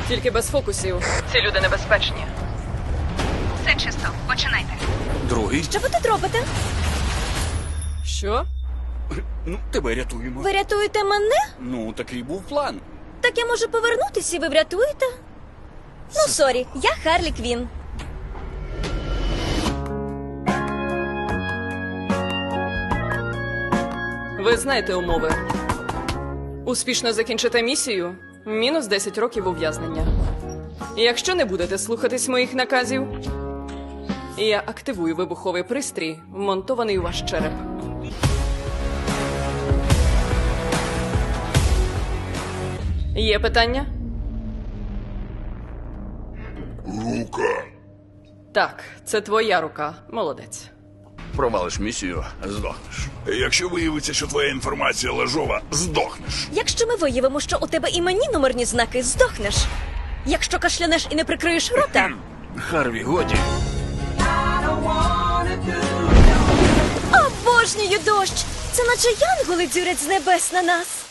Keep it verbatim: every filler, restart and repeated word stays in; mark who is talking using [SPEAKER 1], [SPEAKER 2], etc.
[SPEAKER 1] Тільки без фокусів. Ці люди небезпечні.
[SPEAKER 2] Все чисто, починайте.
[SPEAKER 3] Другий.
[SPEAKER 4] Що ви тут робите?
[SPEAKER 1] Що?
[SPEAKER 3] Ну, тебе рятуємо.
[SPEAKER 4] Ви рятуєте мене?
[SPEAKER 3] Ну, такий був план.
[SPEAKER 4] Так я можу повернутися і ви врятуєте? Ну, сорі, я Харлі Квін.
[SPEAKER 1] Ви знаєте умови. Успішно закінчите місію – мінус десять років ув'язнення. Якщо не будете слухатись моїх наказів, я активую вибуховий пристрій, вмонтований у ваш череп. Є питання?
[SPEAKER 5] Рука.
[SPEAKER 1] Так, це твоя рука. Молодець.
[SPEAKER 3] Провалиш місію, здохнеш.
[SPEAKER 5] Якщо виявиться, що твоя інформація лажова, здохнеш.
[SPEAKER 4] Якщо ми виявимо, що у тебе іменні номерні знаки, здохнеш. Якщо кашлянеш і не прикриєш рота,
[SPEAKER 3] Харві, годі.
[SPEAKER 4] обожнюю дощ! Це наче янголи дзюрять з небес на нас.